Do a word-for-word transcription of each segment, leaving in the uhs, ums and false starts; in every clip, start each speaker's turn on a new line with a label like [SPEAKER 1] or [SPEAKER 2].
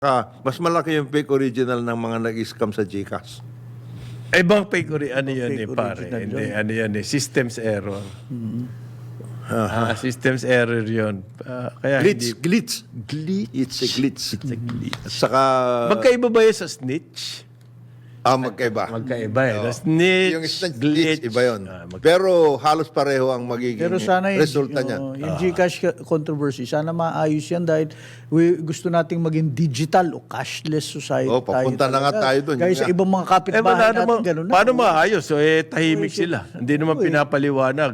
[SPEAKER 1] Ah, mas malaki yung fake original ng mga nag-scam sa GCash.
[SPEAKER 2] Eh, bang fake ori- ano yan eh,
[SPEAKER 3] fake
[SPEAKER 2] pare?
[SPEAKER 3] original
[SPEAKER 2] Hindi,
[SPEAKER 3] yun.
[SPEAKER 2] ano yan eh, systems error. Ah, systems error yun. Ah, kaya
[SPEAKER 1] Glitch,
[SPEAKER 2] hindi...
[SPEAKER 1] glitch. Glitch. It's a glitch.
[SPEAKER 2] It's a glitch.
[SPEAKER 1] At saka,
[SPEAKER 2] Magkaiba ba yun sa snitch?
[SPEAKER 1] ah, magkaiba.
[SPEAKER 2] Magkaiba eh. The snitch,
[SPEAKER 1] Yung snitch,
[SPEAKER 2] glitch.
[SPEAKER 1] glitch, iba yun.
[SPEAKER 2] Ah, mag-
[SPEAKER 1] Pero halos pareho ang magiging
[SPEAKER 3] Pero sana yung,
[SPEAKER 1] resulta niya.
[SPEAKER 3] oh, yung Gcash controversy, sana maayos yan dahil we, gusto nating maging digital o cashless society.
[SPEAKER 1] Oh, papunta na nga
[SPEAKER 3] talaga.
[SPEAKER 1] tayo dun,
[SPEAKER 3] Guys,
[SPEAKER 1] yun
[SPEAKER 3] sa
[SPEAKER 1] nga.
[SPEAKER 3] ibang mga
[SPEAKER 2] Eh,
[SPEAKER 3] kapitbahay
[SPEAKER 2] wala
[SPEAKER 3] natin,
[SPEAKER 2] naman,
[SPEAKER 3] ganun na.
[SPEAKER 2] paano maayos? So, eh, tahimik
[SPEAKER 3] Oh,
[SPEAKER 2] sila. Hindi naman
[SPEAKER 3] eh.
[SPEAKER 2] pinapaliwanag.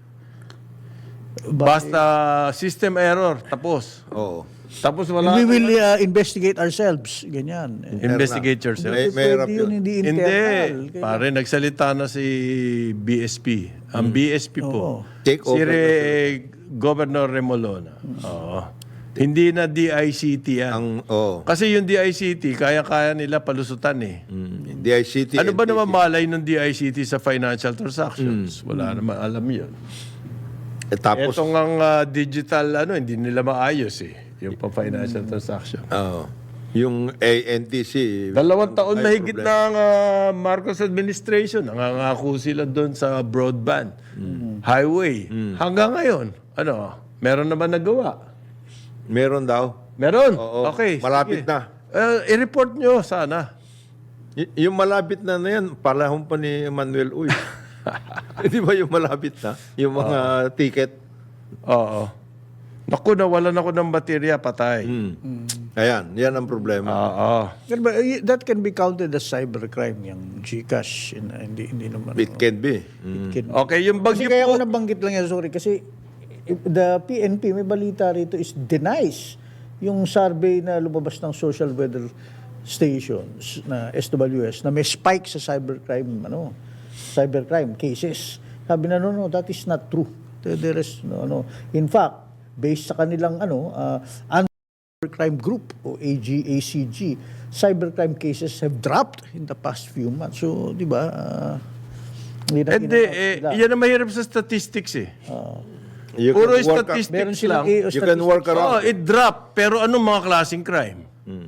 [SPEAKER 2] Basta system error, tapos.
[SPEAKER 1] Oo.
[SPEAKER 2] Tapos wala.
[SPEAKER 3] We will uh, investigate ourselves. Ganyan. Eh,
[SPEAKER 2] Investigate yourself.
[SPEAKER 1] May, may hirap
[SPEAKER 3] pwede yun,
[SPEAKER 1] yun.
[SPEAKER 3] hindi
[SPEAKER 2] Hindi.
[SPEAKER 3] internal. Kaya-
[SPEAKER 2] Pare, nagsalita na si B S P. Ang B S P po.
[SPEAKER 1] Take
[SPEAKER 2] Si
[SPEAKER 1] over.
[SPEAKER 2] Re, Governor Remolona. Oo. Hindi na D I C T yan.
[SPEAKER 1] Ang, oo.
[SPEAKER 2] Kasi yung D I C T, kaya-kaya nila palusutan eh.
[SPEAKER 1] Mm, D I C T.
[SPEAKER 2] Ano ba
[SPEAKER 1] N T C.
[SPEAKER 2] naman malay ng D I C T sa financial transactions? Wala naman alam yun.
[SPEAKER 1] Eh, tapos,
[SPEAKER 2] Etong ang ah, digital, ano, hindi nila maayos eh. Yung pa-financial transaction.
[SPEAKER 1] oo. Yung A N T C.
[SPEAKER 2] Dalawang taon
[SPEAKER 1] may
[SPEAKER 2] mahigit
[SPEAKER 1] problema.
[SPEAKER 2] na ang ah, Marcos administration. Nangangako sila doon sa broadband, highway. Hanggang ngayon, ano, meron naman nagawa.
[SPEAKER 1] Meron daw.
[SPEAKER 2] Meron.
[SPEAKER 1] Oo.
[SPEAKER 2] Okay.
[SPEAKER 1] Malapit
[SPEAKER 2] sige.
[SPEAKER 1] na.
[SPEAKER 2] Eh, i-report nyo sana.
[SPEAKER 1] Y- yung malapit na na yan, palahong pa ni Manuel Uy. Di ba yung malapit na? Yung mga ticket.
[SPEAKER 2] Oo. Naku, nawalan ako ng baterya, patay.
[SPEAKER 1] Mm. Ayan, yan ang problema.
[SPEAKER 2] Oo.
[SPEAKER 3] Pero ba, eh, that can be counted as cybercrime, yung Gcash. Yun, ah, Hindi, hindi naman.
[SPEAKER 1] It can be. Mm.
[SPEAKER 3] Kid-
[SPEAKER 2] Okay, yung
[SPEAKER 3] Kasi
[SPEAKER 2] bagyo
[SPEAKER 3] kaya
[SPEAKER 2] po.
[SPEAKER 3] ako nabanggit lang yan, sorry, kasi the P N P, may balita rito, is denies yung survey na lumabas ng social weather stations na S W S na may spike sa cybercrime, ano, cybercrime cases. Sabi na, no, no, that is not true. There there is, no, no. In fact, based sa kanilang, ano, uh, cybercrime group o A G A C G, cybercrime cases have dropped in the past few months. So, di ba, uh, hindi na-
[SPEAKER 2] Hindi,
[SPEAKER 3] hindi na-
[SPEAKER 2] eh,
[SPEAKER 3] sila.
[SPEAKER 2] yan ang mahirap sa statistics eh.
[SPEAKER 1] You
[SPEAKER 2] Puro
[SPEAKER 1] can work,
[SPEAKER 2] statistics
[SPEAKER 3] Meron
[SPEAKER 2] lang.
[SPEAKER 3] silang A O
[SPEAKER 1] you can work
[SPEAKER 2] Oh,
[SPEAKER 1] around.
[SPEAKER 2] it dropped. Pero anong mga klaseng crime?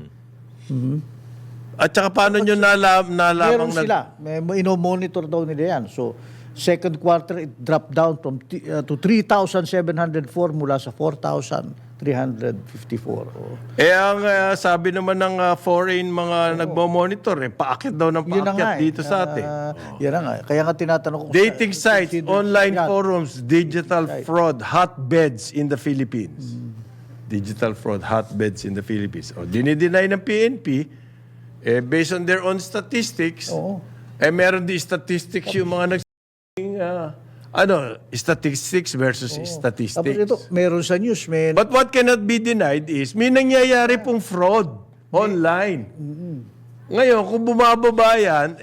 [SPEAKER 2] At saka paano nyo nalam, nalamang
[SPEAKER 3] Meron sila. May, may ino-monitor daw nila yan. So, second quarter, it dropped down from t- uh, to three thousand seven hundred four mula sa four thousand three hundred fifty-four. Oh.
[SPEAKER 2] Eh, ang ah, sabi naman ng ah, foreign mga nagmo-monitor, eh, paakit daw ng
[SPEAKER 3] Yun na nga
[SPEAKER 2] paakyat
[SPEAKER 3] eh.
[SPEAKER 2] dito sa atin.
[SPEAKER 3] Ah, Yan na nga. Kaya nga tinatanong ko.
[SPEAKER 2] Dating
[SPEAKER 3] sa-
[SPEAKER 2] sites,
[SPEAKER 3] consider-
[SPEAKER 2] online
[SPEAKER 3] Yan.
[SPEAKER 2] forums, digital fraud, hotbeds in the Philippines. Digital fraud, hotbeds in the Philippines. O, dinideny ng P N P, eh, based on their own statistics,
[SPEAKER 3] Oo.
[SPEAKER 2] eh, meron di statistics yung mga nagsasabing, ah, ano, statistics versus
[SPEAKER 3] Tapos
[SPEAKER 2] statistics.
[SPEAKER 3] ito, meron sa news, may
[SPEAKER 2] But what cannot be denied is may nangyayari pong fraud online. Ngayon, kung bumababa yan,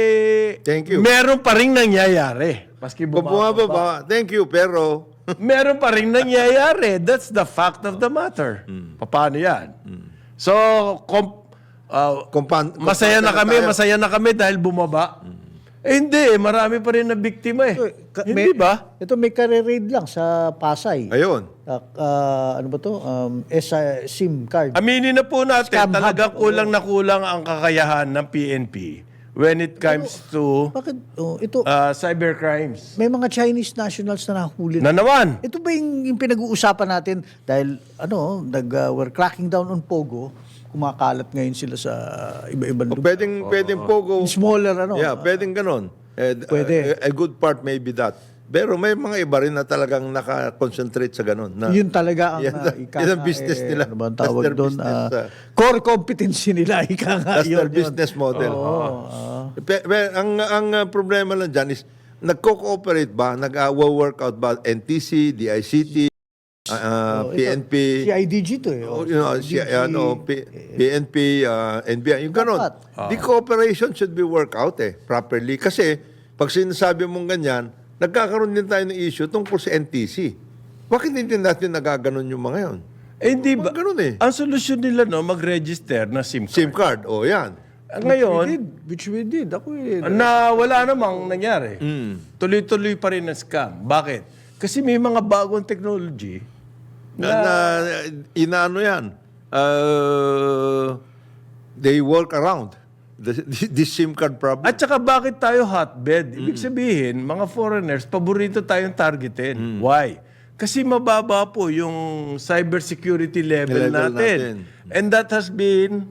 [SPEAKER 2] eh,
[SPEAKER 1] Thank you.
[SPEAKER 2] meron pa rin nangyayari. Maski
[SPEAKER 1] Kung
[SPEAKER 2] bumababa.
[SPEAKER 1] bumababa, thank you, pero
[SPEAKER 2] meron pa rin nangyayari. That's the fact of the matter. Paano yan? So, kom- ah,
[SPEAKER 1] kumpan,
[SPEAKER 2] masaya na
[SPEAKER 1] kumpanya
[SPEAKER 2] kami,
[SPEAKER 1] tayo.
[SPEAKER 2] masaya na kami dahil bumaba. Eh, hindi. Marami pa rin na biktima eh.
[SPEAKER 3] Ka-
[SPEAKER 2] Hindi
[SPEAKER 3] may-
[SPEAKER 2] ba?
[SPEAKER 3] Ito may career raid lang sa Pasay.
[SPEAKER 1] Ayun.
[SPEAKER 3] Ah, ah, ano ba to? Um, S I SIM card.
[SPEAKER 2] Aminin na po natin,
[SPEAKER 3] Scam
[SPEAKER 2] talaga
[SPEAKER 3] hub.
[SPEAKER 2] kulang na kulang ang kakayahan ng P N P when it comes to
[SPEAKER 3] Bakit? Oh, ito,
[SPEAKER 2] uh, cyber crimes.
[SPEAKER 3] may mga Chinese nationals na nahuli.
[SPEAKER 2] Na naman.
[SPEAKER 3] Ito ba yung, yung pinag-uusapan natin dahil ano, nag, uh, we're cracking down on Pogo, kumakalat ngayon sila sa iba-ibang
[SPEAKER 1] O,
[SPEAKER 3] lugar.
[SPEAKER 1] pwedeng, pwedeng pogo.
[SPEAKER 3] Smaller ano.
[SPEAKER 1] Yeah, pwedeng ganon. Eh, d-
[SPEAKER 3] Pwede.
[SPEAKER 1] A, a good part may be that. Pero may mga iba rin na talagang naka-concentrate sa ganon. Na,
[SPEAKER 3] Yun talaga ang
[SPEAKER 1] Yan
[SPEAKER 3] uh,
[SPEAKER 1] ang-
[SPEAKER 3] ika
[SPEAKER 1] yan ang
[SPEAKER 3] nga,
[SPEAKER 1] business
[SPEAKER 3] eh,
[SPEAKER 1] nila.
[SPEAKER 3] Ano ba ang
[SPEAKER 1] That's
[SPEAKER 3] tawag
[SPEAKER 1] their
[SPEAKER 3] doon?
[SPEAKER 1] business,
[SPEAKER 3] Ah,
[SPEAKER 1] ah.
[SPEAKER 3] core competency nila, ika nga.
[SPEAKER 1] That's
[SPEAKER 3] yun,
[SPEAKER 1] their
[SPEAKER 3] yun.
[SPEAKER 1] business model.
[SPEAKER 3] Oo, ah.
[SPEAKER 1] Pe- pe- ang ang uh, problema lang dyan is, nagko-cooperate ba? Nag-work out ba? N T C, D I C T, uh, uh,
[SPEAKER 3] Oh,
[SPEAKER 1] P N P,
[SPEAKER 3] Si I D G to eh.
[SPEAKER 1] oh,
[SPEAKER 3] Oh,
[SPEAKER 1] you know, si, ano, P- PNP, uh, N B I, yung ganon.
[SPEAKER 3] Dapat.
[SPEAKER 1] The cooperation should be worked out eh, properly. Kasi, pag sinasabi mong ganyan, nagkakaroon din tayo ng issue tungkol sa N T C. Bakit hindi natin nagaganon yung mga yon?
[SPEAKER 2] Eh, hindi ba?
[SPEAKER 1] Mga ganun eh.
[SPEAKER 2] Ang solusyon nila, no, mag-register na SIM card.
[SPEAKER 1] SIM card, o oh, yan.
[SPEAKER 2] Ah, Ngayon,
[SPEAKER 3] we did, which we did. Ako eh.
[SPEAKER 2] na wala namang nangyari. Tuloy-tuloy pa rin ang scam. Bakit? Kasi may mga bagong technology
[SPEAKER 1] Na, na inaano yan. uh, they work around the, this SIM card problem.
[SPEAKER 2] At saka bakit tayo hotbed? Ibig sabihin, mga foreigners, paborito tayong targetin. Why? Kasi mababa po yung cybersecurity level,
[SPEAKER 1] Level
[SPEAKER 2] natin.
[SPEAKER 1] natin.
[SPEAKER 2] And that has been,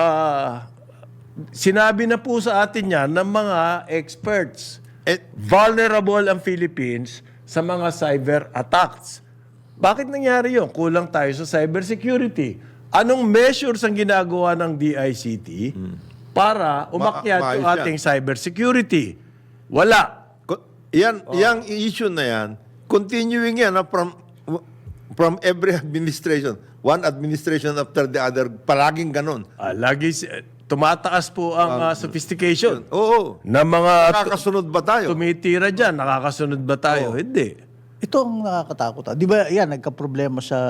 [SPEAKER 2] uh, sinabi na po sa atin yan ng mga experts.
[SPEAKER 1] Eh,
[SPEAKER 2] Vulnerable ang Philippines sa mga cyber attacks. Bakit nangyari yun? Kulang tayo sa cybersecurity. Anong measures ang ginagawa ng D I C T para umakyat
[SPEAKER 1] Ma-
[SPEAKER 2] yung
[SPEAKER 1] maayos
[SPEAKER 2] ating cybersecurity? Wala.
[SPEAKER 1] ko- yan, yang issue na yan, continuing yan ah, from from every administration. One administration after the other, palaging ganun.
[SPEAKER 2] Ah, lagi si- tumataas po ang ah, sophistication
[SPEAKER 1] Oo.
[SPEAKER 2] ng mga tu-
[SPEAKER 1] Nakakasunod ba tayo?
[SPEAKER 2] tumitira dyan. Nakakasunod ba tayo? Hindi.
[SPEAKER 3] Ito ang nakakatakot. ah. Di ba, yan, nagka-problema sa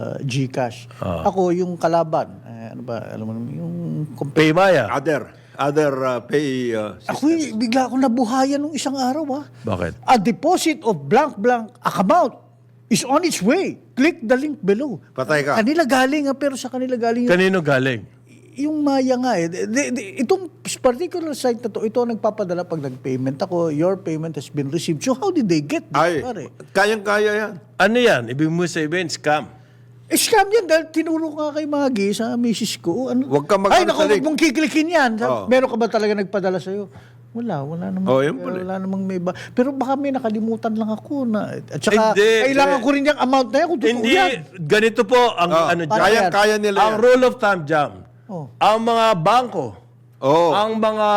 [SPEAKER 3] GCash. Ako, yung kalaban, eh, ano ba, alam mo naman, yung... compa-
[SPEAKER 2] Paymaya.
[SPEAKER 1] Other, other uh, pay uh,
[SPEAKER 3] Ako, eh, bigla akong nabuhayan nung isang araw, ah.
[SPEAKER 2] Bakit?
[SPEAKER 3] A deposit of blank-blank account is on its way. Click the link below.
[SPEAKER 1] Patay ka.
[SPEAKER 3] Kanila galing, ah, pero sa kanila galing yung,
[SPEAKER 2] Kanino galing?
[SPEAKER 3] yung Maya nga eh. De- de- de- itong particular site na to, ito ang nagpapadala pag nag-payment ako, your payment has been received. So how did they get this?
[SPEAKER 1] Ay,
[SPEAKER 3] pare?
[SPEAKER 1] kayang-kaya yan.
[SPEAKER 2] Ano yan? Ibig mo sabihin, scam.
[SPEAKER 3] Eh, scam yan dahil tinuro nga kay Maggie sa misis ko. Ano?
[SPEAKER 1] Huwag ka
[SPEAKER 3] Ay,
[SPEAKER 1] mag-ano
[SPEAKER 3] naku,
[SPEAKER 1] sa
[SPEAKER 3] huwag
[SPEAKER 1] link.
[SPEAKER 3] mong kiklikin yan.
[SPEAKER 1] Oo.
[SPEAKER 3] Meron ka ba talaga nagpadala sa'yo? Wala, wala namang,
[SPEAKER 1] Oh, yun pala.
[SPEAKER 3] wala namang may iba. Pero baka may nakalimutan lang ako na, at saka,
[SPEAKER 2] Hindi,
[SPEAKER 3] kailangan
[SPEAKER 2] hindi.
[SPEAKER 3] ko rin yung amount na yan kung totoo
[SPEAKER 2] Hindi,
[SPEAKER 3] yan.
[SPEAKER 2] ganito po ang
[SPEAKER 1] Oh,
[SPEAKER 2] ano dyan.
[SPEAKER 3] Kaya-
[SPEAKER 1] kayang-kaya nila
[SPEAKER 2] Ang
[SPEAKER 1] yan.
[SPEAKER 2] rule of thumb jam.
[SPEAKER 3] Oh.
[SPEAKER 2] Ang mga bangko,
[SPEAKER 1] Oo.
[SPEAKER 2] ang mga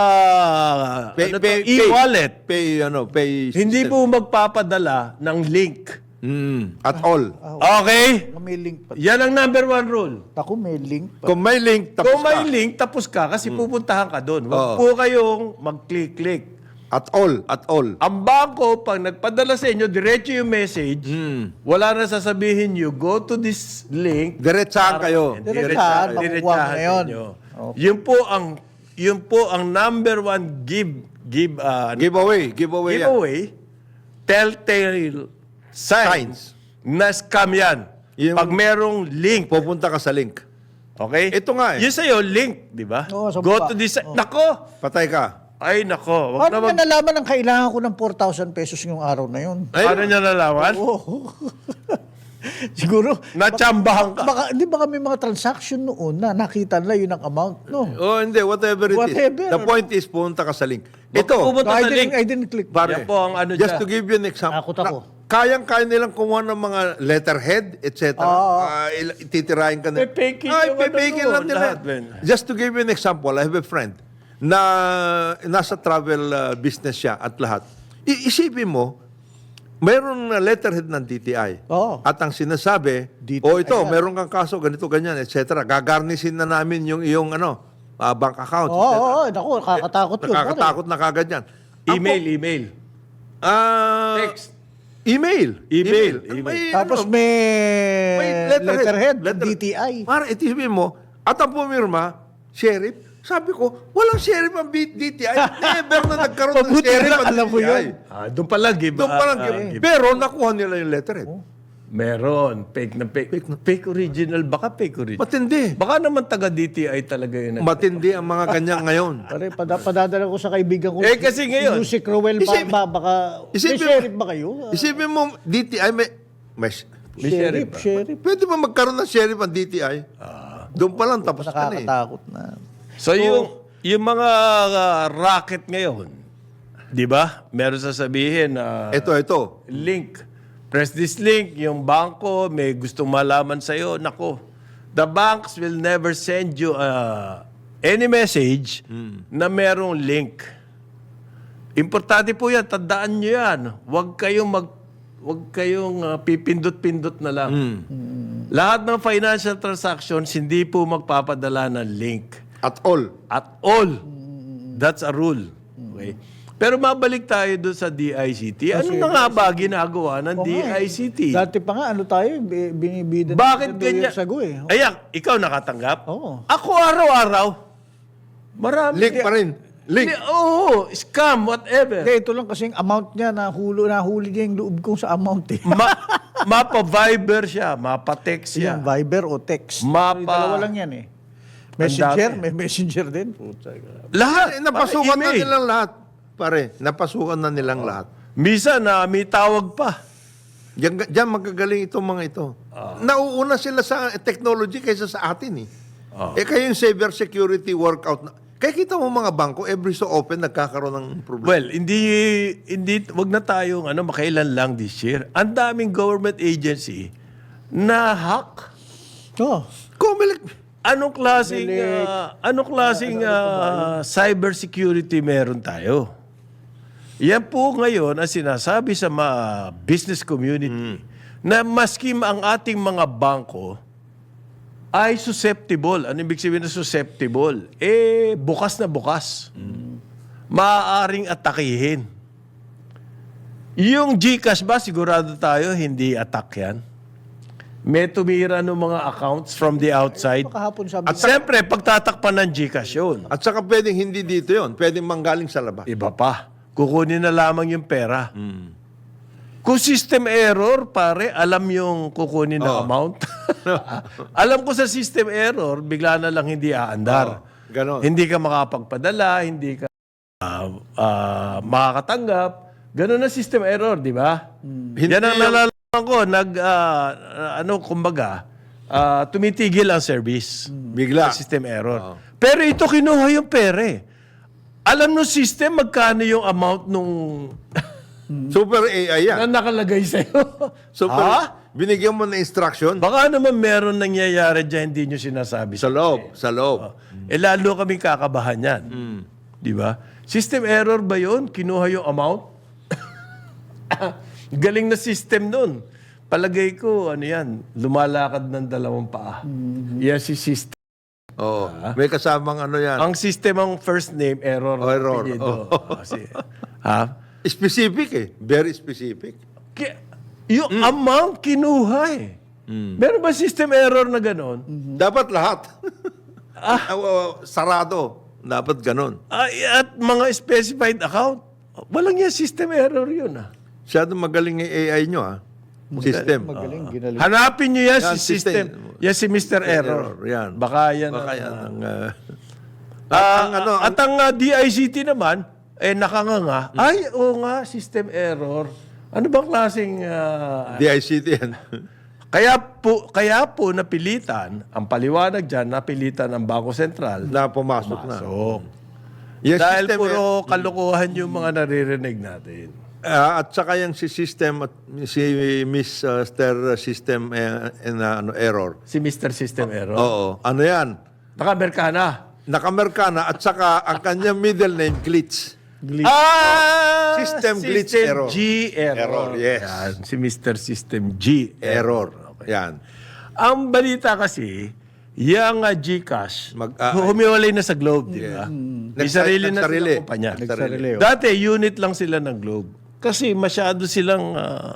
[SPEAKER 1] Pay,
[SPEAKER 2] ano to,
[SPEAKER 1] pay,
[SPEAKER 2] e-wallet,
[SPEAKER 1] Pay, ano, pay
[SPEAKER 2] hindi
[SPEAKER 1] system.
[SPEAKER 2] po magpapadala ng link.
[SPEAKER 1] Mm, at all.
[SPEAKER 2] Okay?
[SPEAKER 3] May link pa.
[SPEAKER 2] Yan ang number one rule.
[SPEAKER 3] Ako, may link pa.
[SPEAKER 1] Kung may link, tapos
[SPEAKER 2] Kung may
[SPEAKER 1] ka.
[SPEAKER 2] link, tapos ka kasi pupuntahan ka doon. Huwag
[SPEAKER 1] Oo.
[SPEAKER 2] po kayong mag-click-click.
[SPEAKER 1] At all, at all.
[SPEAKER 2] Ang bangko, pag nagpadala sa inyo, diretso yung message,
[SPEAKER 1] Hmm.
[SPEAKER 2] wala na sasabihin nyo, go to this link.
[SPEAKER 1] Diretsahan kayo.
[SPEAKER 3] Diretsahan, makukuha mo
[SPEAKER 2] Diretsahan
[SPEAKER 3] na yun.
[SPEAKER 2] ninyo. Yun po ang yun po ang number one give give uh,
[SPEAKER 1] Giveaway, giveaway yan.
[SPEAKER 2] giveaway telltale signs, na scam yan.
[SPEAKER 1] Yung-
[SPEAKER 2] Pag merong link,
[SPEAKER 1] Pupunta ka sa link.
[SPEAKER 2] okay?
[SPEAKER 1] Ito nga eh.
[SPEAKER 2] Yun sa'yo, link, di ba?
[SPEAKER 3] Oo, sa
[SPEAKER 2] Go
[SPEAKER 3] baba.
[SPEAKER 2] to this, nako!
[SPEAKER 1] Patay ka.
[SPEAKER 2] Ay, nako. Wag na
[SPEAKER 3] Paano
[SPEAKER 2] mag,
[SPEAKER 3] niya nalaman ang kailangan ko ng four thousand pesos yung araw na yun?
[SPEAKER 1] Ay,
[SPEAKER 2] paano niya nalaman?
[SPEAKER 3] Oo. Siguro,
[SPEAKER 2] Natsambahan ka.
[SPEAKER 3] baka, hindi baka may mga transaction noon na nakita na yun ang amount, no?
[SPEAKER 1] Oh, hindi. Whatever it
[SPEAKER 3] Whatever.
[SPEAKER 1] is. The point is, pumunta ka sa link. Ito,
[SPEAKER 2] Pupunta
[SPEAKER 3] No, I
[SPEAKER 2] sa
[SPEAKER 3] didn't,
[SPEAKER 2] link.
[SPEAKER 3] I didn't click.
[SPEAKER 1] pare,
[SPEAKER 2] Yan po ang ano
[SPEAKER 1] just
[SPEAKER 2] dyan.
[SPEAKER 1] to give you an example.
[SPEAKER 3] Takot ako.
[SPEAKER 1] na- Kayang-kaya nilang kumuha ng mga letterhead, et cetera.
[SPEAKER 3] Oo.
[SPEAKER 1] Ah, il- titirahin ka na.
[SPEAKER 2] Pepekin
[SPEAKER 1] Ay,
[SPEAKER 2] yung ano
[SPEAKER 1] pepekin
[SPEAKER 2] doon,
[SPEAKER 1] lang nila.
[SPEAKER 2] lahat, Ben.
[SPEAKER 1] Just to give you an example, I have a friend na nasa travel uh, business siya at lahat. I- isipin mo, mayroon na letterhead ng D T I.
[SPEAKER 3] Oo.
[SPEAKER 1] At ang sinasabi,
[SPEAKER 3] D T I
[SPEAKER 1] o ito,
[SPEAKER 3] yan.
[SPEAKER 1] meron kang kaso, ganito, ganyan, et cetera. Gagarnisin na namin yung iyong ano, ah, bank account,
[SPEAKER 3] Oo,
[SPEAKER 1] et cetera.
[SPEAKER 3] oo, naku, nakakatakot yun.
[SPEAKER 1] Nakakatakot na kagad yan. Ang
[SPEAKER 2] Email,
[SPEAKER 1] po-
[SPEAKER 2] email.
[SPEAKER 1] Ah,
[SPEAKER 2] Text.
[SPEAKER 1] Email.
[SPEAKER 2] Email,
[SPEAKER 1] Ano,
[SPEAKER 2] email.
[SPEAKER 1] may,
[SPEAKER 3] Tapos
[SPEAKER 1] ano,
[SPEAKER 3] may,
[SPEAKER 1] may
[SPEAKER 3] letterhead,
[SPEAKER 1] letter-
[SPEAKER 3] D T I.
[SPEAKER 1] Para itisipin mo, at ang pumirma, sheriff, sabi ko, walang sheriff ang B- D T I. Never na nagkaroon ng
[SPEAKER 3] Mabuti
[SPEAKER 1] sheriff
[SPEAKER 3] na
[SPEAKER 1] ang
[SPEAKER 3] alam mo
[SPEAKER 1] D T I.
[SPEAKER 3] yun.
[SPEAKER 2] Ah, doon pala give.
[SPEAKER 1] Doon pa lang.
[SPEAKER 2] ah,
[SPEAKER 1] give.
[SPEAKER 2] ah, give.
[SPEAKER 1] Pero nakuha nila yung letterhead.
[SPEAKER 2] Meron. Fake na fake. Fake, original. Baka fake original.
[SPEAKER 1] Matindi.
[SPEAKER 2] Baka naman taga-D T I talaga yun.
[SPEAKER 1] Matindi ang mga ganyan ngayon.
[SPEAKER 3] Pare, pada, padadala ko sa kaibigan ko.
[SPEAKER 2] Eh, kasi ngayon-
[SPEAKER 3] Si Crowell ba,
[SPEAKER 1] Isipin-
[SPEAKER 3] ba, baka, may
[SPEAKER 1] isipin-
[SPEAKER 3] sheriff ba kayo? Ah,
[SPEAKER 1] Isipin mo, D T I may... may
[SPEAKER 2] May
[SPEAKER 3] sheriff,
[SPEAKER 2] sheriff ba?
[SPEAKER 3] sheriff.
[SPEAKER 1] pwede ba magkaroon ng sheriff ang D T I? Doon pa lang tapos ka na eh.
[SPEAKER 3] Nakakatakot na.
[SPEAKER 2] So, yung, yung mga ah, racket ngayon, di ba? Meron sasabihin na
[SPEAKER 1] Ito, ito.
[SPEAKER 2] link. Press this link. Yung bangko may gustong malaman sa'yo. Nako, the banks will never send you uh, any message na merong link. Importante po yan. Tandaan nyo yan. Huwag kayong mag Huwag kayong uh, pipindot-pindot na lang. Lahat ng financial transactions hindi po magpapadala ng link.
[SPEAKER 1] At all.
[SPEAKER 2] At all. That's a rule. Okay? Pero mabalik tayo doon sa D I C T. Ano na nga ba ginagawa ng
[SPEAKER 3] Oo
[SPEAKER 2] D
[SPEAKER 3] nga eh.
[SPEAKER 2] I C T?
[SPEAKER 3] Dati pa nga, ano tayo, bi- binibida
[SPEAKER 2] Bakit
[SPEAKER 3] ng
[SPEAKER 2] ganyan?
[SPEAKER 3] Sago eh.
[SPEAKER 2] Ayan, ikaw nakatanggap?
[SPEAKER 3] Oo.
[SPEAKER 2] Ako araw-araw. Marami.
[SPEAKER 1] Link pa rin. Link.
[SPEAKER 2] Li- Oo, scam, whatever.
[SPEAKER 3] Hindi, ito lang kasing amount niya, nahuli, nahuli niya yung loob ko sa amount eh.
[SPEAKER 2] Ma- mapa-Viber siya, mapa-text siya.
[SPEAKER 3] Yung Viber o text.
[SPEAKER 2] Mapa-
[SPEAKER 3] Yung dalawa lang yan eh. Messenger,
[SPEAKER 2] dami.
[SPEAKER 3] may messenger din. Puta.
[SPEAKER 2] Lahat.
[SPEAKER 1] Eh, napasukan na
[SPEAKER 2] email.
[SPEAKER 1] nilang lahat. Pare, napasukan na nilang lahat.
[SPEAKER 2] Misa na may tawag pa.
[SPEAKER 1] Diyan, diyan magagaling itong mga ito. Nauuna sila sa technology kaysa sa atin eh. Eh kayo yung cyber security workout. Na, kaya kita mo mga bangko, every so often nagkakaroon ng problema.
[SPEAKER 2] Well, hindi, hindi, wag na tayong ano, makailan lang this year. Ang daming government agency na hack.
[SPEAKER 3] Oh,
[SPEAKER 1] Comelec,
[SPEAKER 2] Anong klaseng, ah, anong klaseng ah, cyber security meron tayo? Yan po ngayon ang sinasabi sa mga business community na maski ang ating mga bangko ay susceptible. Ano ibig sabihin na susceptible? Eh, bukas na bukas. Maaaring atakihin. Yung GCash ba, sigurado tayo, hindi attack yan? May tumira ng mga accounts from the outside.
[SPEAKER 3] kahapon sabi
[SPEAKER 2] At siyempre, pagtatakpan ng GCash yun.
[SPEAKER 1] at saka pwedeng hindi dito yon, pwedeng manggaling sa labas.
[SPEAKER 2] Iba pa. Kukunin na lamang yung pera. Kung system error, pare, alam yung kukunin na amount. Alam ko sa system error, bigla na lang hindi aandar.
[SPEAKER 1] Oo, ganon.
[SPEAKER 2] Hindi ka makapagpadala, hindi ka ah, ah, makakatanggap. Ganon na system error, di ba?
[SPEAKER 1] Hindi
[SPEAKER 2] Yan ang
[SPEAKER 1] yung-
[SPEAKER 2] nalalaman ko. Nag, ah, ano, kumbaga, ah, tumitigil ang service.
[SPEAKER 1] Bigla.
[SPEAKER 2] Sa system error. Pero ito kinuha yung pere. Alam no system magkano yung amount nung
[SPEAKER 1] Super A I yan.
[SPEAKER 2] na nakalagay sa'yo.
[SPEAKER 1] Super,
[SPEAKER 2] Ha?
[SPEAKER 1] binigyan mo na instruction
[SPEAKER 2] Baka naman meron nangyayari dyan, hindi nyo sinasabi.
[SPEAKER 1] sa loob, sa loob.
[SPEAKER 2] Eh lalo kami kakabahan yan. Di ba? System error ba yun? Kinuha yung amount? Galing na system nun. Palagay ko, ano yan, lumalakad ng dalawang paa. Yan si system.
[SPEAKER 1] Oo. May kasamang ano yan.
[SPEAKER 2] Ang system ang first name, error.
[SPEAKER 1] Oh, error.
[SPEAKER 2] apelyido. Oh, si- ha?
[SPEAKER 1] Specific eh. Very specific.
[SPEAKER 2] Ki- yung amount kinuha eh. Meron ba system error na ganon?
[SPEAKER 1] Dapat lahat. Ah. Sarado. Dapat ganun.
[SPEAKER 2] Ay, at mga specified account, walang yan system error yun ah.
[SPEAKER 1] Masyado magaling yung A I nyo ah. System.
[SPEAKER 3] magaling, ginaling.
[SPEAKER 2] Hanapin nyo yan,
[SPEAKER 1] Yan,
[SPEAKER 2] si system.
[SPEAKER 1] system.
[SPEAKER 2] Yan si Mister Error.
[SPEAKER 1] Error, yan.
[SPEAKER 2] Baka yan.
[SPEAKER 1] Baka
[SPEAKER 2] ang-
[SPEAKER 1] yan ang... ah,
[SPEAKER 2] Ah,
[SPEAKER 1] ang ano,
[SPEAKER 2] at ang ah, D I C T naman, eh nakanganga, ay, oo nga, system error. Ano bang klaseng... ah,
[SPEAKER 1] D I C T yan.
[SPEAKER 2] kaya po, kaya po napilitan, ang paliwanag dyan, napilitan ang Bangko Sentral.
[SPEAKER 1] na pumasok na.
[SPEAKER 2] So,
[SPEAKER 1] Yung
[SPEAKER 2] dahil
[SPEAKER 1] system,
[SPEAKER 2] puro kalokohan yung mga naririnig natin.
[SPEAKER 1] ah, at saka yung si system at si Mister System eh, and, ah, ano, error.
[SPEAKER 2] Si Mister System Error.
[SPEAKER 1] Oo. Ano yan?
[SPEAKER 2] Naka-Amerikana.
[SPEAKER 1] Nakamerkana at saka ang kanyang middle name, Glitch.
[SPEAKER 2] Ah!
[SPEAKER 1] System glitch
[SPEAKER 2] System
[SPEAKER 1] error.
[SPEAKER 2] G error.
[SPEAKER 1] Error, yes.
[SPEAKER 2] Yan, si Mister System G
[SPEAKER 1] Error. Yan.
[SPEAKER 2] Ang balita kasi, yung uh, GCash,
[SPEAKER 1] Mag- ah,
[SPEAKER 2] humiwalay na sa Globe, di ba? May
[SPEAKER 1] Nagsa-
[SPEAKER 2] sarili na
[SPEAKER 1] nagsarili.
[SPEAKER 2] silang kumpanya.
[SPEAKER 1] Nagsarili.
[SPEAKER 3] oh.
[SPEAKER 2] Dati, unit lang sila ng Globe. Kasi masyado silang ah,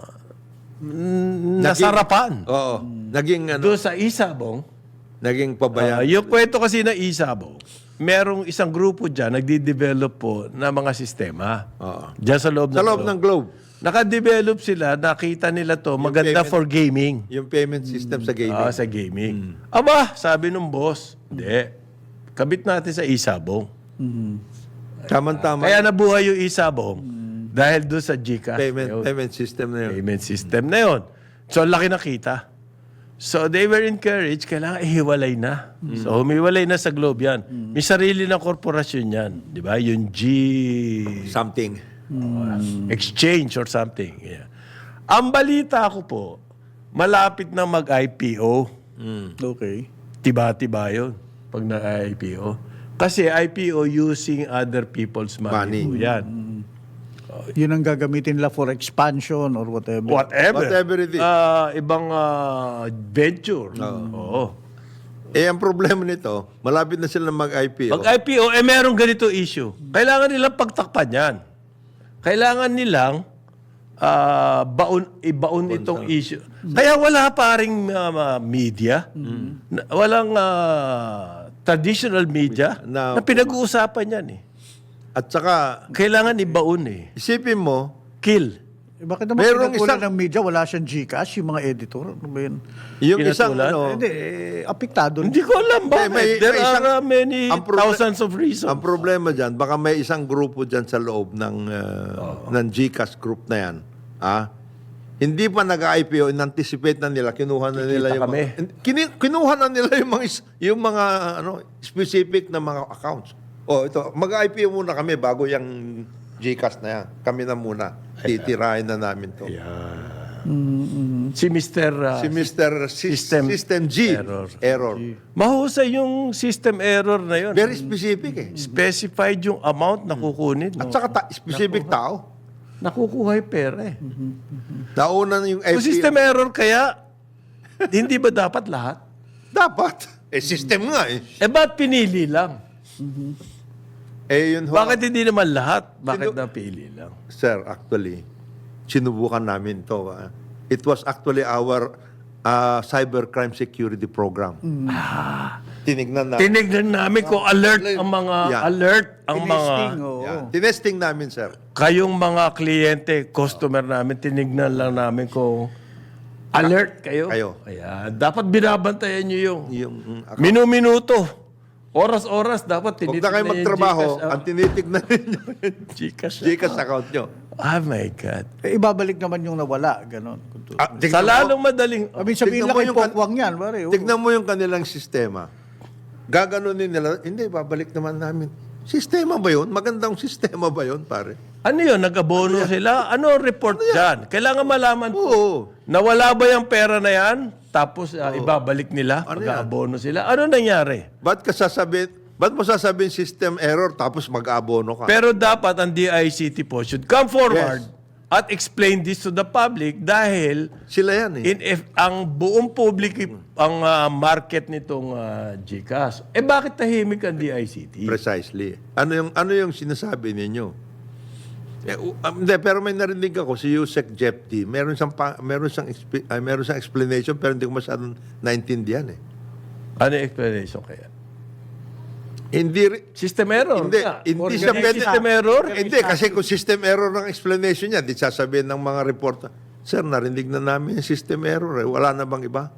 [SPEAKER 2] mm, nasarapan.
[SPEAKER 1] Oo. Naging ano,
[SPEAKER 2] Doon sa Isabong,
[SPEAKER 1] naging
[SPEAKER 2] ah,
[SPEAKER 1] pabayaan.
[SPEAKER 2] yung kwento kasi ng Isabong, merong isang grupo dyan, nagdi-develop po ng mga sistema.
[SPEAKER 1] Oo.
[SPEAKER 2] Dyan sa loob ng
[SPEAKER 1] Sa loob
[SPEAKER 2] Globe.
[SPEAKER 1] ng globe,
[SPEAKER 2] Naka-develop sila, nakita nila to, maganda
[SPEAKER 1] payment-
[SPEAKER 2] for gaming.
[SPEAKER 1] yung payment system sa gaming.
[SPEAKER 2] Ah, sa gaming. Aba, sabi nung boss, hindi. Kabit natin sa Isabong.
[SPEAKER 1] Tama-tama.
[SPEAKER 2] Kaya nabuhay yung Isabong dahil doon sa GCash.
[SPEAKER 1] payment,
[SPEAKER 2] Yun.
[SPEAKER 1] payment system na yun.
[SPEAKER 2] Payment system na yun. So, ang laki nakita. So, they were encouraged, kailangan ihiwalay na. So, humiwalay na sa Globe yan. May sarili ng korporasyon yan. Di ba? Yung G...
[SPEAKER 1] Something.
[SPEAKER 2] exchange or something. Yeah. Ang balita ko po, malapit na mag-I P O.
[SPEAKER 3] Okay.
[SPEAKER 2] Tiba-tiba yun pag na-I P O. Kasi I P O using other people's money.
[SPEAKER 1] Money.
[SPEAKER 2] po yan.
[SPEAKER 3] Yun ang gagamitin nila for expansion or whatever.
[SPEAKER 2] Whatever.
[SPEAKER 1] Whatever it is.
[SPEAKER 2] Ah, ibang ah, venture. Oo.
[SPEAKER 1] Eh, ang problema nito, malapit na sila mag-I P O.
[SPEAKER 2] Pag I P O, eh merong ganito issue. Kailangan nilang pagtakpan yan. Kailangan nilang ah, baon, ibaon itong issue. Kaya wala pa ring ah, media. Na- walang ah, traditional media
[SPEAKER 1] Na-
[SPEAKER 2] na, pinag-uusapan yan eh.
[SPEAKER 1] At saka,
[SPEAKER 2] Kailangan ibaon eh.
[SPEAKER 1] isipin mo,
[SPEAKER 2] Kill.
[SPEAKER 3] Eh, bakit naman
[SPEAKER 1] Merong
[SPEAKER 3] pinagkulan
[SPEAKER 1] isang-
[SPEAKER 3] ng media, wala siyang GCash, yung mga editor? Ano ba yun?
[SPEAKER 1] Yung isang,
[SPEAKER 2] Pinatulan?
[SPEAKER 1] ano,
[SPEAKER 3] Hindi, eh, apektado.
[SPEAKER 2] Hindi ko alam bakit.
[SPEAKER 1] may-
[SPEAKER 2] There
[SPEAKER 1] may
[SPEAKER 2] are
[SPEAKER 1] isang-
[SPEAKER 2] uh, many
[SPEAKER 1] ang proble-
[SPEAKER 2] thousands of reasons.
[SPEAKER 1] ang problema dyan, baka may isang grupo dyan sa loob ng, uh, ng GCash group na yan. Ah? Hindi pa nag-I P O, in-anticipate na nila, kinuha na nila yung
[SPEAKER 2] kami.
[SPEAKER 1] mga, kini- kinuha na nila yung mga, is- yung mga ano, specific na mga accounts. Oh, ito, mag-I P O muna kami bago yung GCash na yan. Kami na muna. Titirahin na namin to.
[SPEAKER 2] Si Mister uh,
[SPEAKER 1] Si Mister System,
[SPEAKER 2] System
[SPEAKER 1] System G.
[SPEAKER 2] Error.
[SPEAKER 1] Error.
[SPEAKER 2] mahusay yung system error na yun.
[SPEAKER 1] Very specific eh.
[SPEAKER 2] Specified yung amount na kukunin.
[SPEAKER 1] At
[SPEAKER 2] No?
[SPEAKER 1] saka ta- specific tao.
[SPEAKER 2] Nakukuha yung pera eh.
[SPEAKER 1] Nauna na yung I P O.
[SPEAKER 2] Kung system error kaya, hindi ba dapat lahat?
[SPEAKER 1] Dapat. Eh, system nga eh.
[SPEAKER 2] Eh, ba't pinili lang?
[SPEAKER 1] Eh, yun ho.
[SPEAKER 2] Bakit hindi naman lahat? Bakit
[SPEAKER 1] Sino-
[SPEAKER 2] napili lang?
[SPEAKER 1] Sir, actually, sinubukan namin to. ah. It was actually our uh, cybercrime security program. Tinignan namin.
[SPEAKER 2] Tinignan namin kung alert ang mga,
[SPEAKER 1] Yeah.
[SPEAKER 2] alert ang mga,
[SPEAKER 3] Tinesting, oo.
[SPEAKER 1] Yeah. Tinesting namin, sir.
[SPEAKER 2] kayong mga kliyente, customer namin, tinignan lang namin kung alert kayo.
[SPEAKER 1] Kayo.
[SPEAKER 2] Ayan. Dapat binabantayan nyo yung
[SPEAKER 1] Yung, mm, ako-
[SPEAKER 2] minu-minuto. Oras-oras dapat
[SPEAKER 1] Huwag
[SPEAKER 2] tinitignan
[SPEAKER 1] na kayo
[SPEAKER 2] yung
[SPEAKER 1] magtrabaho,
[SPEAKER 2] Gcash,
[SPEAKER 1] ang tinitignan ninyo yung
[SPEAKER 2] Gcash.
[SPEAKER 1] Gcash account nyo.
[SPEAKER 2] Oh my God.
[SPEAKER 3] Eh, ibabalik naman yung nawala, ganon.
[SPEAKER 1] Ah,
[SPEAKER 2] Sa
[SPEAKER 1] tignan mo-
[SPEAKER 2] lalong madaling...
[SPEAKER 3] I mean, sabihin
[SPEAKER 1] Tignan
[SPEAKER 3] lang
[SPEAKER 1] mo
[SPEAKER 3] kay
[SPEAKER 1] yung kan-
[SPEAKER 3] Pokwang yan, pare. oh.
[SPEAKER 1] Tignan mo yung kanilang sistema. Gaganunin nila, hindi, babalik naman namin. Sistema ba yun? Magandang sistema ba yun, pare?
[SPEAKER 2] Ano yun? Nag-abono sila? Ano ang report dyan? Kailangan malaman po.
[SPEAKER 1] Oo.
[SPEAKER 2] Nawala ba yung pera na yan? Tapos ah, ibabalik nila?
[SPEAKER 1] Ano
[SPEAKER 2] Pag-abono sila? Ano nangyari?
[SPEAKER 1] Ba't ka sasabihin, ba't mo sasabihin system error tapos mag-abono ka?
[SPEAKER 2] Pero dapat ang D I C T po should come forward at explain this to the public dahil
[SPEAKER 1] Sila yan eh.
[SPEAKER 2] in if ang buong public ang ah, market nitong ah, Gcash. Eh bakit tahimik ang D I C T?
[SPEAKER 1] Precisely. Ano yung ano yung sinasabi ninyo? Eh, u- um, hindi, pero may narinig ako si Yusek Jepti. Meron siyang pa, meron siyang expe- ay, meron siyang explanation pero hindi ko masyadong naintindihan eh.
[SPEAKER 2] Ano yung explanation kaya?
[SPEAKER 1] Hindi ri-
[SPEAKER 2] System error.
[SPEAKER 1] Hindi,
[SPEAKER 2] nga.
[SPEAKER 1] hindi siya
[SPEAKER 2] Organic
[SPEAKER 1] pwede-
[SPEAKER 2] system error.
[SPEAKER 1] hindi kasi kung system error ng explanation niya, di sasabihin ng mga reporter, Sir, narinig na namin yung system error eh. Wala na bang iba?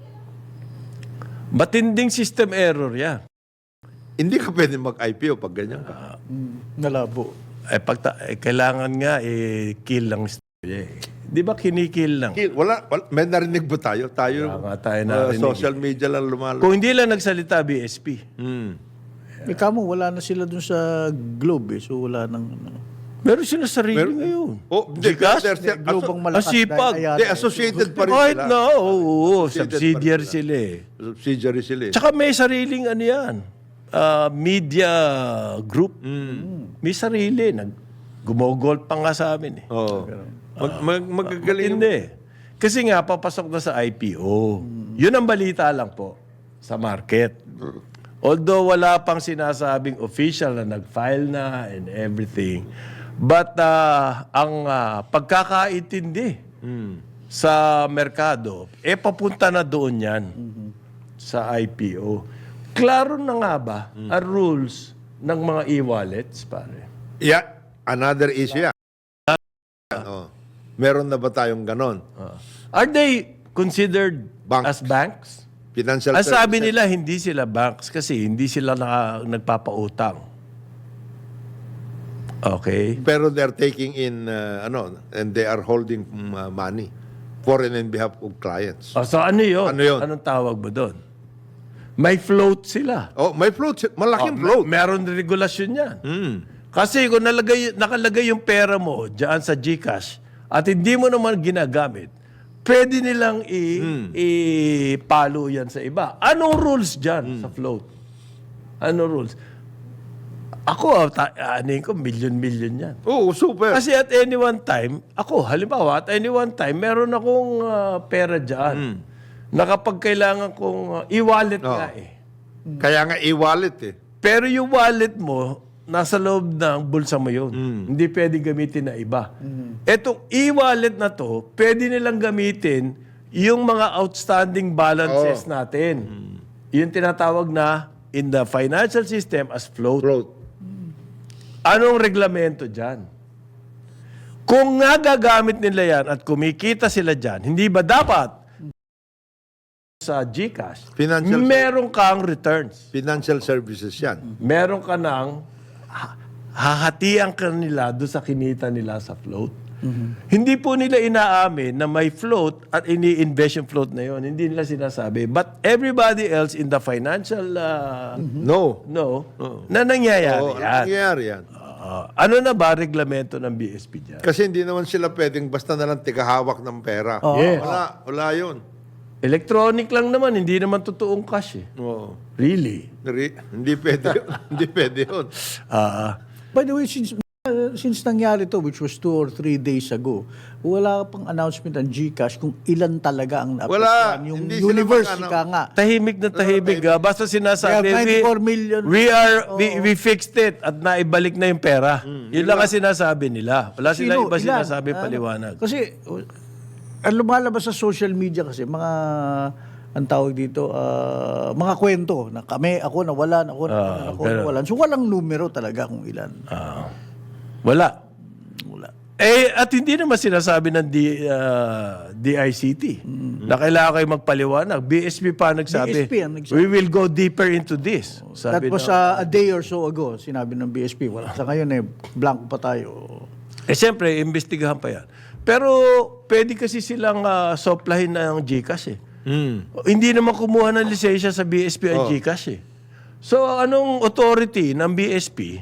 [SPEAKER 2] Matinding system error yan.
[SPEAKER 1] Hindi ka pwede mag-I P O pag ganyan ka.
[SPEAKER 3] Mm, nalabo.
[SPEAKER 2] Eh, pagta- eh, kailangan nga eh, kill lang istorya eh. Di ba kinikill lang?
[SPEAKER 1] Kill, wala, wala, may narinig ba tayo? Tayo,
[SPEAKER 2] Wala nga tayo
[SPEAKER 1] uh,
[SPEAKER 2] narinig
[SPEAKER 1] social media lang lumalo.
[SPEAKER 2] Kung hindi lang nagsalita B S P,
[SPEAKER 1] Hmm.
[SPEAKER 3] Eh, kamo, wala na sila dun sa Globe eh. So, wala nang... Ano.
[SPEAKER 2] meron sila sarili ngayon.
[SPEAKER 1] Oh, hindi,
[SPEAKER 2] Gcash?
[SPEAKER 1] they're still-
[SPEAKER 3] Globe ang
[SPEAKER 1] asso-
[SPEAKER 3] malakas.
[SPEAKER 2] Asipag.
[SPEAKER 3] dahil Ayala
[SPEAKER 1] Hindi,
[SPEAKER 3] eh.
[SPEAKER 1] associated pa rin
[SPEAKER 2] Kahit
[SPEAKER 1] sila.
[SPEAKER 2] na, oo, oo,
[SPEAKER 1] Associated
[SPEAKER 2] subsidiary
[SPEAKER 1] pa rin
[SPEAKER 2] sila eh.
[SPEAKER 1] Subsidiary sila eh.
[SPEAKER 2] Tsaka may sariling ano yan, ah, media group. May sarili. Nag, gumogol pa nga sa amin eh.
[SPEAKER 1] Oo. Mag, mag, magagaling.
[SPEAKER 2] Hindi. Kasi nga, papasok na sa I P O. Yun ang balita lang po sa market. Although wala pang sinasabing official na nag-file na and everything. But ah, ang ah, pagkakaintindi sa merkado, eh papunta na doon yan sa I P O. Klaro na nga ba ang rules ng mga e-wallets, pare?
[SPEAKER 1] Yeah, another issue yan. Oh. Meron na ba tayong ganon?
[SPEAKER 2] Ah. Are they considered
[SPEAKER 1] Banks.
[SPEAKER 2] as banks?
[SPEAKER 1] Financial
[SPEAKER 2] Ang sabi
[SPEAKER 1] services?
[SPEAKER 2] nila, hindi sila banks kasi hindi sila naka, nagpapautang. Okay?
[SPEAKER 1] Pero they're taking in, uh, ano, and they are holding mm, uh, money for and in behalf of clients.
[SPEAKER 2] O, so ano yun?
[SPEAKER 1] Ano yun?
[SPEAKER 2] Anong tawag mo doon? May float sila.
[SPEAKER 1] Oh, may float. si- Malaking
[SPEAKER 2] Oh,
[SPEAKER 1] float.
[SPEAKER 2] mer- Meron regulasyon yan.
[SPEAKER 1] Hmm.
[SPEAKER 2] Kasi kung nalagay, nakalagay yung pera mo dyan sa Gcash at hindi mo naman ginagamit, pwede nilang i-
[SPEAKER 1] Hmm.
[SPEAKER 2] ipalo yan sa iba. Anong rules dyan
[SPEAKER 1] Hmm.
[SPEAKER 2] sa float? Anong rules? Ako, ta- anin ko, million-million yan.
[SPEAKER 1] Oo, super.
[SPEAKER 2] Kasi at any one time, ako, halimbawa, at any one time, meron akong ah, pera dyan na kapag kailangan kong ah, i-wallet
[SPEAKER 1] Oo.
[SPEAKER 2] nga eh.
[SPEAKER 1] Kaya nga e-wallet eh.
[SPEAKER 2] Pero yung wallet mo, nasa loob ng bulsa mo yun. Hindi pwede gamitin na iba. Etong e-wallet na to, pwede nilang gamitin yung mga outstanding balances natin. Yung tinatawag na in the financial system as float.
[SPEAKER 1] Float.
[SPEAKER 2] Anong reglamento dyan? Kung nga gagamit nila yan at kumikita sila dyan, hindi ba dapat sa GCash,
[SPEAKER 1] Financial-
[SPEAKER 2] meron kang returns?
[SPEAKER 1] Financial services yan.
[SPEAKER 2] Meron ka ng ha- hahatian ka nila doon sa kinita nila sa float. Hindi po nila inaamin na may float at ini-invest yung float na yon. Hindi nila sinasabi. But everybody else in the financial uh,
[SPEAKER 1] No.
[SPEAKER 2] no, na nangyayari
[SPEAKER 1] Oo, ano
[SPEAKER 2] yan.
[SPEAKER 1] nangyayari yan?
[SPEAKER 2] Ah, ano na ba reglamento ng B S P dyan?
[SPEAKER 1] Kasi hindi naman sila pwedeng basta na lang tigahawak ng pera.
[SPEAKER 2] Yes.
[SPEAKER 1] Wala, wala yun.
[SPEAKER 2] Electronic lang naman, hindi naman totoong cash eh.
[SPEAKER 1] Oo.
[SPEAKER 2] Really?
[SPEAKER 1] Nari- hindi pwede yun. hindi pwede yun.
[SPEAKER 2] Ah,
[SPEAKER 3] By the way, since uh, since nangyari to, which was two or three days ago, wala pang announcement ang GCash kung ilan talaga ang
[SPEAKER 1] Wala.
[SPEAKER 3] naapektuhan. Yung
[SPEAKER 1] Hindi sila
[SPEAKER 3] universe,
[SPEAKER 1] mag-ano-
[SPEAKER 3] ika nga.
[SPEAKER 2] tahimik na tahimik. ah. Basta sinasabi,
[SPEAKER 3] They have ninety-four million.
[SPEAKER 2] we are, we, we fixed it at naibalik na yung pera. Yun lang ang sinasabi nila. Wala sila
[SPEAKER 3] Sino?
[SPEAKER 2] iba
[SPEAKER 3] Ilan?
[SPEAKER 2] sinasabi
[SPEAKER 3] Ano?
[SPEAKER 2] paliwanag.
[SPEAKER 3] Kasi, uh, ang lumalabas sa social media kasi, mga, ang tawag dito, ah, mga kwento, na kami, ako nawalan, ako,
[SPEAKER 2] Ah,
[SPEAKER 3] ako
[SPEAKER 2] pero-
[SPEAKER 3] nawalan. So, walang numero talaga kung ilan.
[SPEAKER 2] Ah. wala.
[SPEAKER 3] Wala.
[SPEAKER 2] Eh, at hindi naman sinasabi ng D, ah, D I C T na kailangan kayo magpaliwanag. B S P pa nagsabi,
[SPEAKER 3] B S P ang nagsabi.
[SPEAKER 2] we will go deeper into this.
[SPEAKER 3] That
[SPEAKER 2] Sabi
[SPEAKER 3] was
[SPEAKER 2] ng-
[SPEAKER 3] uh, a day or so ago, sinabi ng B S P. Wala. Sa ngayon eh, blanco pa tayo.
[SPEAKER 2] Eh, siyempre, imbestigahan pa yan. Pero, pwede kasi silang uh, soplahin ng GCash eh. Hindi naman kumuha ng lisensya sa B S P ang GCash eh. So, anong authority ng B S P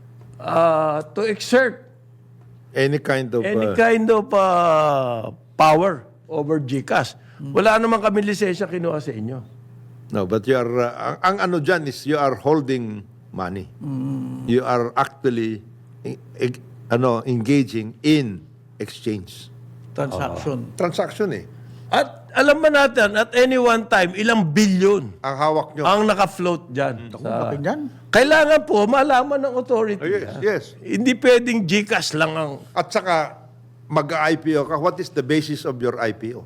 [SPEAKER 2] uh, to exert
[SPEAKER 1] Any kind of...
[SPEAKER 2] any
[SPEAKER 1] uh,
[SPEAKER 2] kind of uh, power over GCash? Wala naman kami lisensya kinuha sa inyo.
[SPEAKER 1] no, but you are... uh, ang, ang ano dyan is you are holding money. You are actually e- e- ano engaging in exchange.
[SPEAKER 3] Transaction.
[SPEAKER 1] Transaction eh.
[SPEAKER 2] At alam ba natin, at any one time, ilang bilyon
[SPEAKER 1] Ang hawak nyo.
[SPEAKER 2] ang naka-float dyan.
[SPEAKER 3] Kung
[SPEAKER 2] Sa,
[SPEAKER 3] bakit yan?
[SPEAKER 2] kailangan po malaman ng authority.
[SPEAKER 1] Oh, yes,
[SPEAKER 2] ah.
[SPEAKER 1] yes.
[SPEAKER 2] Hindi pwedeng GCash lang ang...
[SPEAKER 1] At saka, mag-I P O ka. What is the basis of your I P O?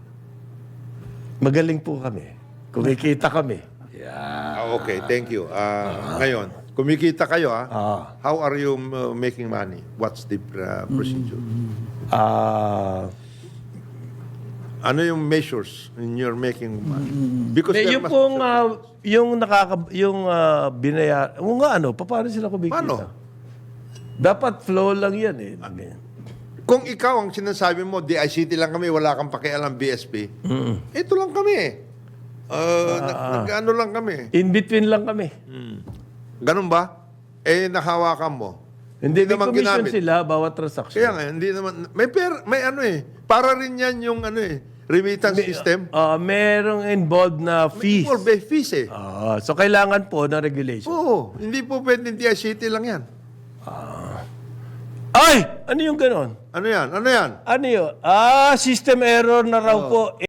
[SPEAKER 2] Magaling po kami. Kumikita kami.
[SPEAKER 1] Ah, okay, thank you. Ah, Ngayon, kumikita kayo, ah.
[SPEAKER 2] Ah.
[SPEAKER 1] How are you uh, making money? What's the uh, procedure?
[SPEAKER 2] Ah...
[SPEAKER 1] Ano yung measures in your making money? Because
[SPEAKER 2] Eh,
[SPEAKER 1] there
[SPEAKER 2] yung
[SPEAKER 1] must-
[SPEAKER 2] pong, ah, yung nakaka, yung uh, binaya, o nga ano, pa- paano sila kumikita?
[SPEAKER 1] Paano?
[SPEAKER 2] Dapat flow lang yan eh.
[SPEAKER 1] Kung ikaw ang sinasabi mo, D I C T lang kami, wala kang pakialam B S P, ito lang kami eh. Uh, nag, nag-ano lang kami.
[SPEAKER 2] In between lang kami.
[SPEAKER 1] Ganun ba? Eh, nahawakan mo.
[SPEAKER 2] Hindi, may
[SPEAKER 1] naman
[SPEAKER 2] commission
[SPEAKER 1] ginamit.
[SPEAKER 2] sila bawat transaction.
[SPEAKER 1] Kaya nga, hindi naman, may per, may ano eh, para rin yan yung ano eh, remittance system.
[SPEAKER 2] Ah, merong involved na fees.
[SPEAKER 1] Or may fees eh.
[SPEAKER 2] Ah, so kailangan po na regulation.
[SPEAKER 1] Oo, hindi po pwedeng D I C T lang yan.
[SPEAKER 2] Ay! Ano yung ganon?
[SPEAKER 1] Ano yan? Ano yan?
[SPEAKER 2] Ano yun? Ah, system error na raw po.